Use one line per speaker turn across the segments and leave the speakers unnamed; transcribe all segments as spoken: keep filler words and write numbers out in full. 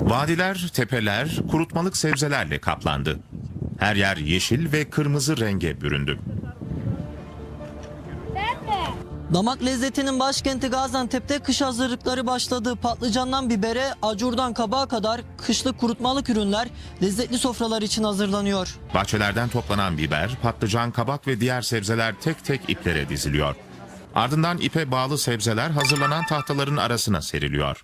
Vadiler, tepeler kurutmalık sebzelerle kaplandı. Her yer yeşil ve kırmızı renge büründü.
Damak lezzetinin başkenti Gaziantep'te kış hazırlıkları başladı. Patlıcandan bibere, acurdan kabağa kadar kışlık kurutmalık ürünler lezzetli sofralar için hazırlanıyor.
Bahçelerden toplanan biber, patlıcan, kabak ve diğer sebzeler tek tek iplere diziliyor. Ardından ipe bağlı sebzeler hazırlanan tahtaların arasına seriliyor.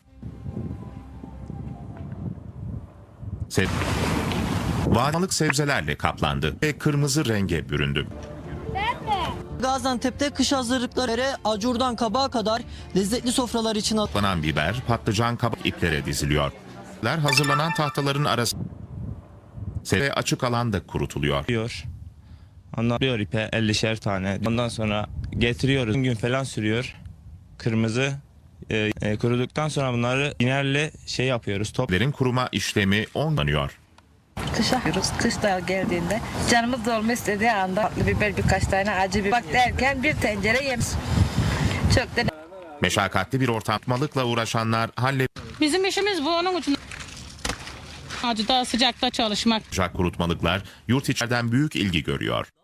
Se Vadilik sebzelerle kaplandı ve kırmızı renge büründü.
Gaziantep'te kış hazırlıkları acurdan kabağa kadar lezzetli sofralar için
Toplanan biber, patlıcan, kabak iplere diziliyor. Hazırlanan tahtaların arasına ve açık alanda kurutuluyor.
Diyor. Ondan diyor ipe ellişer tane. Ondan sonra getiriyoruz. gün falan sürüyor. Kırmızı e, e, kuruduktan sonra bunları inerle şey yapıyoruz. Top.
Lerin kuruma işlemi onlanıyor.
Kışa yapıyoruz. Kış da geldiğinde canımız dolma istediği anda tatlı biber birkaç tane acı biber bak derken bir tencere yemiş. Çok da
Meşakkatli bir ortamlıkla uğraşanlar halle
Bizim işimiz bu, onun için acıda sıcakta çalışmak.
kurutmalıklar yurt içeriden büyük ilgi görüyor.